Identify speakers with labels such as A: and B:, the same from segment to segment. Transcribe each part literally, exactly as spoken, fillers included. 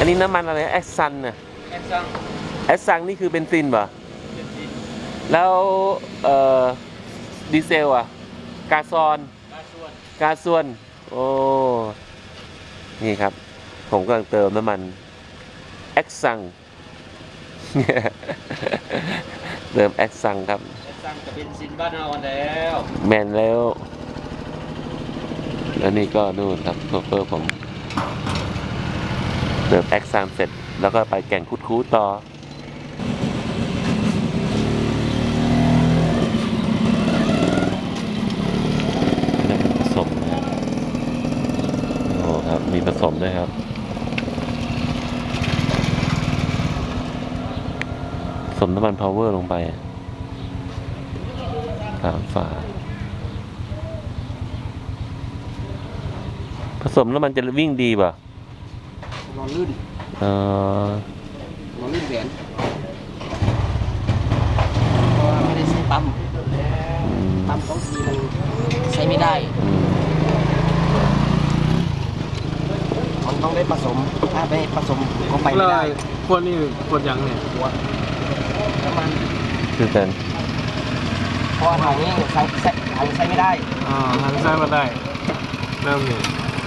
A: อันนี้น้ำมันอะไรแอสซันน่ะ
B: แอสซัง
A: แอสซังนี่คือเบนซินป่ะ
B: เจ็ดสิบ
A: แล้วเอ่อดีเซลอ่ะกาซอน
B: กาส่วน
A: กาส่วนโอ้นี่ครับผมกำลังเติมน้ำมันแอสซัง เติมแอสซังครับ
B: แอสซังกับเบนซินบ้านเราแล้ว
A: แมนแล้วแล้วนี่ก็นู่นครับโชเฟอร์ผมเติมแอคซามเสร็จแล้วก็ไปแก่งคุดคูต่อนี่ผสมนะโอ้ครับมีผสมด้วยครับผสมน้ำมันพาวเวอร์ลงไปสามฝาผสมแล้วมันจะวิ่งดีป่ะ
B: นอนลื่น
A: เออน
B: อนลื่นแหวนเพราะว่าไม่ได้ใช้ปั๊ม
A: อืม
B: ปั๊มต้องทีมันใช้ไม่ได้
A: อืม
B: มันต้องได้ผสมถ้าไม่ผสมก็ไปไม่ได้
C: ขวดนี่ขวดยังเนี่ย
B: หัวน้ำมัน
A: คือกัน
B: เพราะว่าถังนี้ใช้ใช้ถังใช้ไม่ได้
C: อ่าทางซ้ายมาได้เริ่มเนี่ย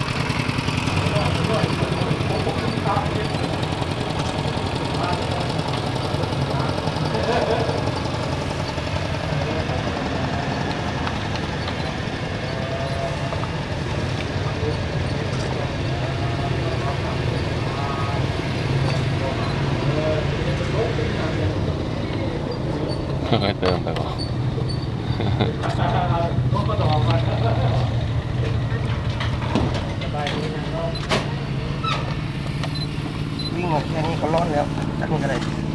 A: ค่อยๆเติมไปป่ะ
B: วิ่งหมดแค่นี้ก็ร้อนแล้วจักมันก็ได้